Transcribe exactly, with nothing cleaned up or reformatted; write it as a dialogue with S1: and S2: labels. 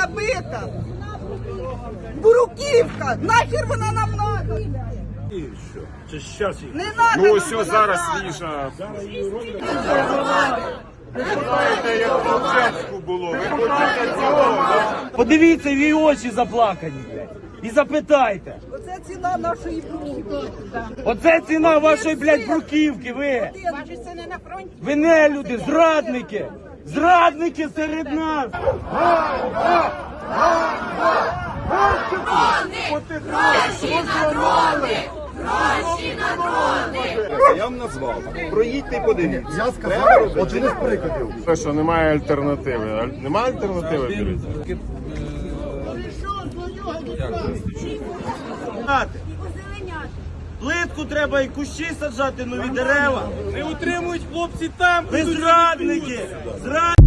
S1: набита. Буруківка, нахер вона нам надо?
S2: Це щас їх.
S1: Не надо
S3: Ну
S1: нам
S3: ось
S1: вона
S3: зараз
S1: надо.
S3: свіжа. Ви знаєте, як в Луценську було. Ви хочете цього?
S2: Подивіться в її очі заплакані, блядь. І запитайте.
S1: Оце ціна нашої буруківки.
S2: Оце ціна вашої, блядь, бруківки, ви.
S1: Ваші сини на фронті.
S2: Ви не люди, зрадники. Зрадники серед нас.
S4: Я вам назвав. Проїдьте і подивіться.
S5: Я сказав один із прикладів.
S3: Те, що немає альтернативи. Аль- Немає альтернативи, Біліця?
S2: Плитку треба і кущі саджати, нові дерева. Не утримують хлопці там. Ви зрадники. Зрадники.